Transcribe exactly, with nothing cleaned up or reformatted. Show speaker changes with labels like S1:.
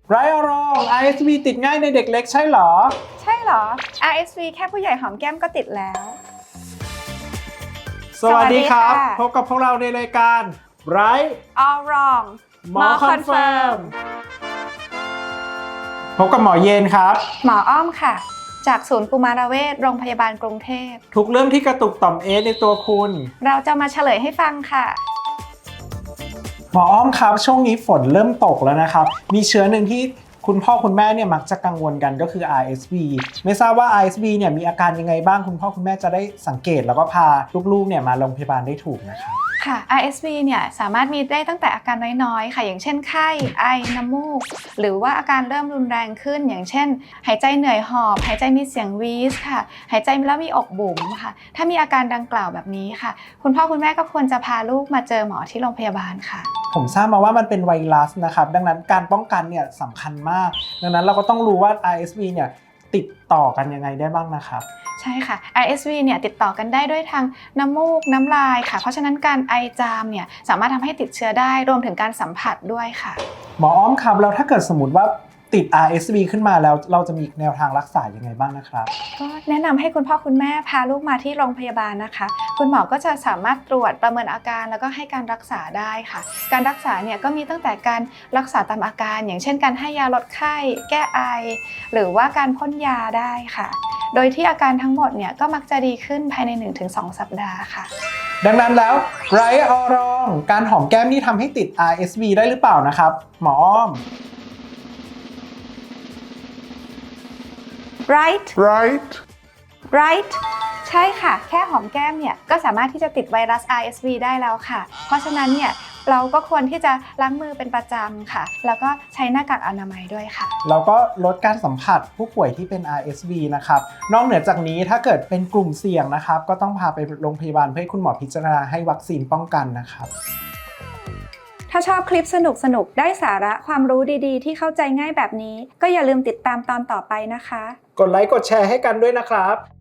S1: ไรอะรอง อาร์ เอส วี ติดง่ายในเด็กเล็กใช่หรอ
S2: ใช่หรอ อาร์ เอส วี แค่ผู้ใหญ่หอมแก้มก็ติดแล้ว
S1: สวัสดีครับพบกับพวกเราในรายการ Right
S2: All Wrong
S1: หมอคอนเฟิร์มพบกับหมอเย็นครับ
S2: หมออ้อมค่ะจากศูนย์กุมารเวชโรงพยาบาลกรุงเทพ
S1: ทุกเรื่องที่กระตุกต่อมเอสในตัวคุณ
S2: เราจะมาเฉลยให้ฟังค่ะ
S1: หมออ้อมครับช่วงนี้ฝนเริ่มตกแล้วนะครับมีเชื้อหนึ่งที่คุณพ่อคุณแม่เนี่ยมักจะกังวลกันก็คือ อาร์ เอส วี ไม่ทราบว่า อาร์ เอส วี เนี่ยมีอาการยังไงบ้างคุณพ่อคุณแม่จะได้สังเกตแล้วก็พาลูกๆเนี่ยมาโรงพยาบาลได้ถูกนะครับ
S2: ค่ะ อาร์ เอส วี เนี่ยสามารถมีได้ตั้งแต่อาการน้อยๆค่ะอย่างเช่นไข้ไอน้ำมูกหรือว่าอาการเริ่มรุนแรงขึ้นอย่างเช่นหายใจเหนื่อยหอบหายใจมีเสียงวีสค่ะหายใจแล้วมีอกบุ๋มค่ะถ้ามีอาการดังกล่าวแบบนี้ค่ะคุณพ่อคุณแม่ก็ควรจะพาลูกมาเจอหมอที่โรงพยาบาลค่ะ
S1: ผมทราบมาว่ามันเป็นไวรัสนะครับดังนั้นการป้องกันเนี่ยสำคัญมากดังนั้นเราก็ต้องรู้ว่า อาร์ เอส วี เนี่ยติดต่อกันยังไงได้บ้างนะครับ
S2: ใช่ค่ะ อาร์ เอส วี เนี่ยติดต่อกันได้ด้วยทางน้ำมูกน้ำลายค่ะเพราะฉะนั้นการไอจามเนี่ยสามารถทำให้ติดเชื้อได้รวมถึงการสัมผัสด้วยค่ะ
S1: หมออ้อมครับแล้วถ้าเกิดสมมติว่าติด อาร์ เอส วี ขึ้นมาแล้วเราจะมีแนวทางรักษายังไงบ้างนะครับ
S2: ก็แนะนำให้คุณพ่อคุณแม่พาลูกมาที่โรงพยาบาลนะคะคุณหมอก็จะสามารถตรวจประเมินอาการแล้วก็ให้การรักษาได้ค่ะการรักษาเนี่ยก็มีตั้งแต่การรักษาตามอาการอย่างเช่นการให้ยาลดไข้แก้ไอหรือว่าการพ่นยาได้ค่ะโดยที่อาการทั้งหมดเนี่ยก็มักจะดีขึ้นภายใน หนึ่งถึงสอง สัปดาห์ค่ะ
S1: ดังนั้นแล้วไรออรองการหอมแก้มนี่ทำให้ติด อาร์ เอส วี ได้หรือเปล่านะครับหมออ้อม
S2: right
S1: right
S2: right ใช่ค่ะแค่หอมแก้มเนี่ยก็สามารถที่จะติดไวรัส อาร์ เอส วี ได้แล้วค่ะเพราะฉะนั้นเนี่ยเราก็ควรที่จะล้างมือเป็นประจำค่ะแล้วก็ใช้หน้ากากอนามัยด้วยค่ะ
S1: แล้วก็ลดการสัมผัสผู้ป่วยที่เป็น อาร์ เอส วี นะครับนอกเหนือจากนี้ถ้าเกิดเป็นกลุ่มเสี่ยงนะครับก็ต้องพาไปโรงพยาบาลเพื่อให้คุณหมอพิจารณาให้วัคซีนป้องกันนะครับ
S2: ถ้าชอบคลิปสนุกๆได้สาระความรู้ดีๆที่เข้าใจง่ายแบบนี้ก็อย่าลืมติดตามตอนต่อไปนะคะ
S1: กดไลค์กดแชร์ให้กันด้วยนะครับ